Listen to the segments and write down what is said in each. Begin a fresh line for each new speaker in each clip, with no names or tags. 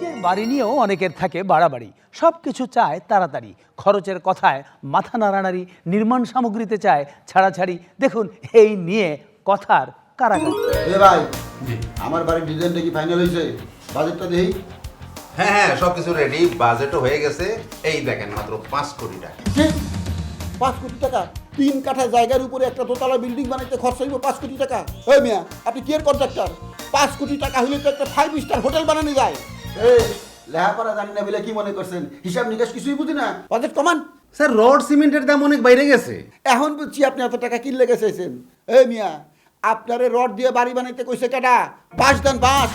যে বাড়ি নিয়েও অনেকের থাকে বাড়াবাড়ি, সব কিছু চায় তাড়াতাড়ি, খরচের কথায় মাথা নাড়ানাড়ি, নির্মাণ সামগ্রীতে চায় ছাড়াছাড়ি। দেখুন এই নিয়ে কথার কারাকারি।
এ ভাই, আমার বাড়ির ডিজাইনটা কি ফাইনাল হয়েছে? বাজেটটা দেই।
হ্যাঁ হ্যাঁ, সবকিছু রেডি, বাজেটও হয়ে গেছে। এই দেখেন মাত্র 5 কোটি টাকা।
5 কোটি টাকা? 3 কাঠা জায়গার উপরে একটা দোতলা বিল্ডিং বানাইতে খরচ হইব 5 কোটি টাকা? ওই মিয়া, আপনি কি এর কন্ট্রাক্টর? 5 কোটি টাকা হইলে তো একটা 5 স্টার হোটেল বানানো যায়। এই লেহাপড়া জানি না বলে কি মনে করছেন? হিসাব নিকাশ কিছুই বুঝি না। বাজেট কমান।
স্যার, রড সিমেন্টের দাম অনেক বাইরে গেছে।
এখন বুঝছি আপনি এত টাকা কিনলে গেছেন। এই মিয়া, আপনারে রড দিয়ে বাড়ি বানাইতে কইছে কেডা? বাঁশ দেন, বাঁশ।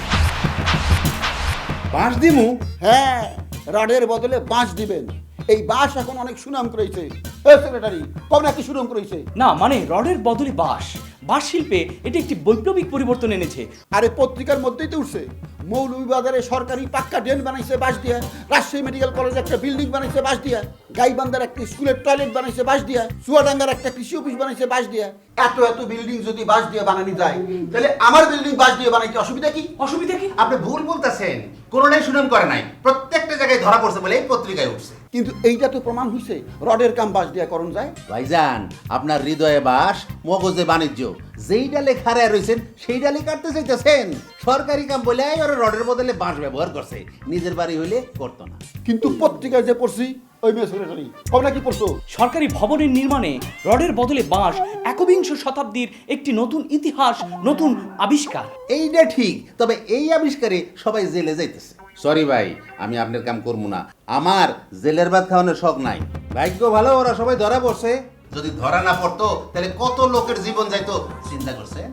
বাঁশ দিমু?
হ্যাঁ, রডের বদলে বাঁশ দিবেন। এই বাঁশ এখন অনেক সুনাম করেছে। এই সেক্রেটারি, কবে নাকি সুনাম করেছে?
না মানে রডের বদলে বাঁশ, বাঁশ শিল্পে এটি একটি বৈপ্লবিক পরিবর্তন এনেছে।
আরে পত্রিকার মধ্যেই তো উঠছে, মৌলভীবাজারে সরকারি পাক্কা ড্রেন বানাইছে বাঁশ দিয়া, রাজশাহী মেডিকেল কলেজে একটা বিল্ডিং বানাইছে বাঁশ দিয়া, গাইবান্ধার একটা স্কুলের টয়লেট বানাইছে বাঁশ দিয়া, চুয়াডাঙ্গার একটা কৃষি অফিস বানাইছে বাঁশ দিয়া। এত এত বিল্ডিং যদি বাঁশ দিয়ে বানানো যায়, তাহলে আমার বিল্ডিং বাঁশ দিয়ে বানাইতে অসুবিধা কি?
অসুবিধা কি?
আপনি ভুল বলতেছেন, কোনোটাই সুনাম করে নাই, প্রত্যেকটা জায়গায় ধরা পড়ছে বলে এই পত্রিকায় উঠছে।
কিন্তু এইটা তো প্রমাণ হইছে রডের কাম বাঁশ দিয়া করণ যায়।
ভাইজান, আপনার হৃদয়ে বাস, মগজে বাণিজ্য, যেই ডালে খাড়ায় রয়েছেন সেই ডালে কাটতে চাইতেছেন। সরকারি কাম বলে ওরা রডের বদলে বাঁশ ব্যবহার করছে, নিজের বাড়ি হইলে করতো না।
কিন্তু পত্রিকায় যে পড়ছি, ওই মেয়ে সেক্রেটারি, কবে নাকি পড়ছো?
সরকারি ভবনের নির্মাণে রডের বদলে বাঁশ একবিংশ শতাব্দীর একটি নতুন ইতিহাস, নতুন আবিষ্কার।
এইটা ঠিক, তবে এই আবিষ্কারে সবাই জেলে যাইতেছে। সরি ভাই, আমি আপনার কাম করবো না, আমার জেলের ভাত খাওয়ানোর শখ নাই। ভাগ্য ভালো, ওরা সবাই ধরা পড়ছে।
যদি ধরা না পড়তো তাহলে কত লোকের জীবন যাইতো চিন্তা করছেন?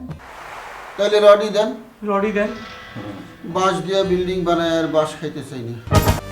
তাহলে রডই দেন।
রডই দেন।
বাঁশ দিয়া বিল্ডিং বানায় আর বাঁশ খাইতে চাই না।